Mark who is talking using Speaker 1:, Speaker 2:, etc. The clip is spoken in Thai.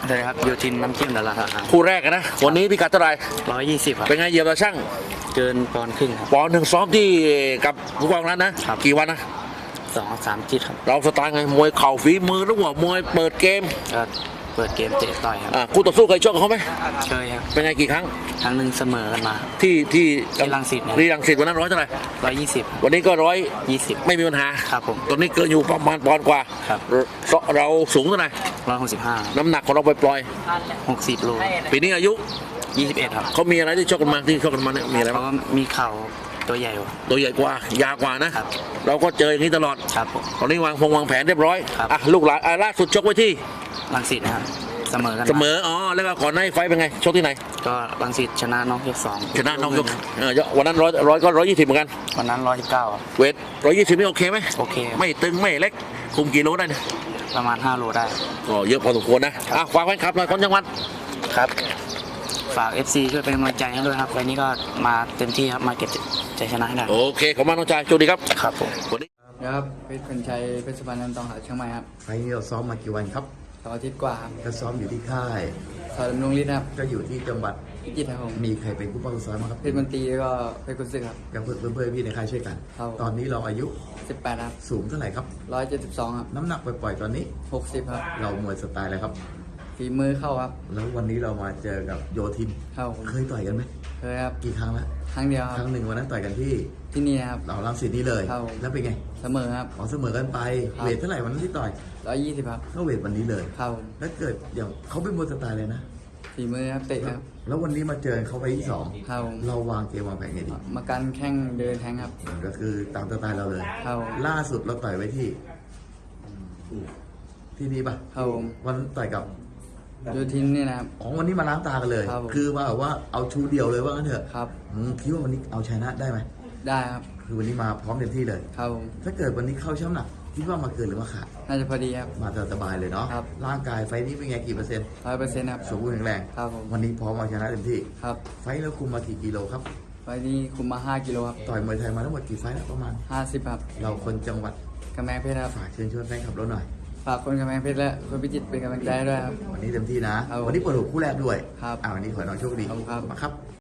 Speaker 1: สวัสดีครับโยทินน้ำจิ้มดาราครับ
Speaker 2: คู่แรกนะวันนี้พิกัดเท่าไหร่
Speaker 1: 120 ครับ
Speaker 2: เป็นไงเหยียบตาช่าง
Speaker 1: เกินปอนด์ครึ่งครับ
Speaker 2: ปอนด์หนึ่งซ้อมที่กับผู้กองนั้นนะครับ กี่วันนะ
Speaker 1: 2-3 จิตครับ
Speaker 2: เราสไตล์ไงมวยเข่าฝีมือหรือว่ามวยเปิดเกม
Speaker 1: ก็เปิดเกมเตะต่อยครับ
Speaker 2: คู่ต่อสู้เคยชกกับเขาไหม
Speaker 1: เคยครับ
Speaker 2: เป็นไงกี่ครั้ง
Speaker 1: ครั้งหนึ่งเสมอกันมา
Speaker 2: ที่
Speaker 1: ที่รังสิตเนี่ย
Speaker 2: ที่รังสิตวันนั้นร้อยเท่าไหร่
Speaker 1: 120
Speaker 2: วันนี้ก็
Speaker 1: 20
Speaker 2: ไม่มีปัญหา
Speaker 1: ครับผม
Speaker 2: ตอนนี้เกินอยู่ประมาณปอนด์กว่า
Speaker 1: ครับ
Speaker 2: เราสูงเท่าไหร่
Speaker 1: 165
Speaker 2: น้ำหนักของเราปล่อย
Speaker 1: 60 โล
Speaker 2: ๆปีนี้อายุ
Speaker 1: 21 ครับ
Speaker 2: เขามีอะไรที่ชกกันมาที่ชกกันมาเนี่ยมีอะไร
Speaker 1: เพ
Speaker 2: บ้าง
Speaker 1: ราะว่ามีเข่าตัวใหญ่กว่า
Speaker 2: ตัวใหญ่กว่ายาวกว่านะครับ เราก็เจออย่างนี้ตลอด
Speaker 1: ครับผม
Speaker 2: ตอนนี้วางแผนเรียบร้อย
Speaker 1: ครับ
Speaker 2: ลูกหลานล่าสุดชกไว้ที่
Speaker 1: รังสิตนะครับเสมอกัน
Speaker 2: เสมอแล้วก็ก่อนหน้านี้ไฟต์เป็นไงชกที่ไหน
Speaker 1: ก็รังสิตชนะน้องยก2
Speaker 2: ชนะน้องยกวันนั้นร้อยก็120เหมือนกัน
Speaker 1: วันนั้น119ครับ
Speaker 2: เวท120นี่โอเคไหม
Speaker 1: โอเคครับ
Speaker 2: ไม่ตึงไม่เล็กคุมกี่โลได้เนี่ย
Speaker 1: ประมาณ5 โลได้
Speaker 2: ก็เยอะพอสมควรนะฝากแฟนคลับหน่อยคนจังหวัด
Speaker 1: ครับ ฝาก FC ช่วยเป็นกำลังใจให้ด้วยครับวันนี้ก็มาเต็มที่ครับ มาเก็บใจชนะให้ได้
Speaker 2: โอเคขอบคุณมากน้องชายโชคดีครับ
Speaker 1: ครับผม
Speaker 2: วันนี้
Speaker 3: ครับเพชรพันชัยเพชรสุพรรณนันตองหาเชียงใหม่ครับ
Speaker 4: ไฟล์นี้เราซ้อมมากี่วันครับ
Speaker 3: 2 อาทิตย์กว่าครับ
Speaker 4: ก็ซ้อมอยู่ที่ค่าย
Speaker 3: สอนดำรงฤทธิ์ครับ
Speaker 4: ก็อยู่ที่จังหวัด
Speaker 3: พิจิตรครับผม
Speaker 4: มีใครเป็นผู้ป้องซ้อมบ้างครับ
Speaker 3: เพชรมนตรีแล้วก็เพชรกุศลครับ
Speaker 4: กับเพื่อนๆพี่ในค่ายช่วยกัน
Speaker 3: ครับ
Speaker 4: ตอนนี้เราอายุ
Speaker 3: 18ครับ
Speaker 4: สูงเท่าไหร่ครับ
Speaker 3: 172ครับ
Speaker 4: น้ำหนักปล่อยๆตอนนี้
Speaker 3: 60ครับ
Speaker 4: เรามวยสไตล์อะไรครับ
Speaker 3: ฝีมือเข้าครับ
Speaker 4: แล้ววันนี้เรามาเจอกับโยทิน
Speaker 3: เข้าผม
Speaker 4: เคยต่อยกันไหม
Speaker 3: เคยครับ
Speaker 4: กี่ครั้งแล้ว
Speaker 3: ครั้งเดียวค
Speaker 4: ครับ รั้งหนึ่งวันนั้นต่อยกันที่
Speaker 3: ที่นี่นะครับ
Speaker 4: เราลังสิตนี้เลย
Speaker 3: ครับผม
Speaker 4: แล้วเป็นไง
Speaker 3: เสมอครับ
Speaker 4: ขอเสมอกันไป
Speaker 3: ครับ
Speaker 4: เวทเท่าไหร่วันนั้นที่ต่อย
Speaker 3: 120ครับ
Speaker 4: ก็เวทวันนี้เลย
Speaker 3: เข้าผม
Speaker 4: แล้วเกิดอย่างเขาเป็นมวยสไตล์เลยนะ
Speaker 3: ฝีมือครับเตะครับ
Speaker 4: แล้ววันนี้มาเจอเขาไปที่สอง
Speaker 3: เข้าผม
Speaker 4: เราวางเกมวางแผนไงดี
Speaker 3: มากันแข้งเดินแทงครับ
Speaker 4: ก็คือตามสไตล์เราเลย
Speaker 3: เข้าผม
Speaker 4: ล่าสุดเราต่อยไว้ที่นี่ปะ
Speaker 3: เข้าผม
Speaker 4: วันต่อยกับ
Speaker 3: โยทินนี่นะครับ
Speaker 4: วันนี้มาล้างตากันเลย
Speaker 3: ครับผม
Speaker 4: คือมาแบบว่าเอาชูเดียวเลยว่างั้นเถอะ
Speaker 3: ครับ
Speaker 4: คิดว่าวันนี้เอาชนะได้ไหม
Speaker 3: ได้ครับ
Speaker 4: คือวันนี้มาพร้อมเต็มที่เลย
Speaker 3: เข้าผม
Speaker 4: ถ้าเกิดวันนี้เข้าช่ำหนักคิดว่ามาเกินหรือมาขาด
Speaker 3: น่าจะพอดีครับ
Speaker 4: มาสบายเลยเนาะ
Speaker 3: ครับ
Speaker 4: ร่างกายไฟนี้เป็นไงกี่เปอร์เซ็นต์
Speaker 3: 100%ครับ
Speaker 4: สมบูรณ์แข็งแรง
Speaker 3: ครับผม
Speaker 4: วันนี้พร้อมเอาชนะเต็มที่
Speaker 3: ครับ
Speaker 4: ไฟแล้วคุมมากี่กิโลครับ
Speaker 3: วันนี้คุมมา5 กิโลครับ
Speaker 4: ต่อยมวยไทยมาทั้งหมดกี่ไฟแล้วประมาณ
Speaker 3: 50ครับ
Speaker 4: เราคนจังหวัด
Speaker 3: กำแพงเพชรครับ
Speaker 4: ฝากเชิญชวนแฟนคลับเราหน่อย
Speaker 3: ฝากคนกำแพงเพชรและคนพิจิตรเป็นกำลังใจให้ด้วยครับ
Speaker 4: วันนี้เต็มที่นะ
Speaker 3: ครับ
Speaker 4: วันนี้เปิดหัวคู่แรกด้วย
Speaker 3: ครับ
Speaker 4: วันนี้ขอให้น้องโชคดี
Speaker 3: ขอบคุณครับ
Speaker 4: มาครับ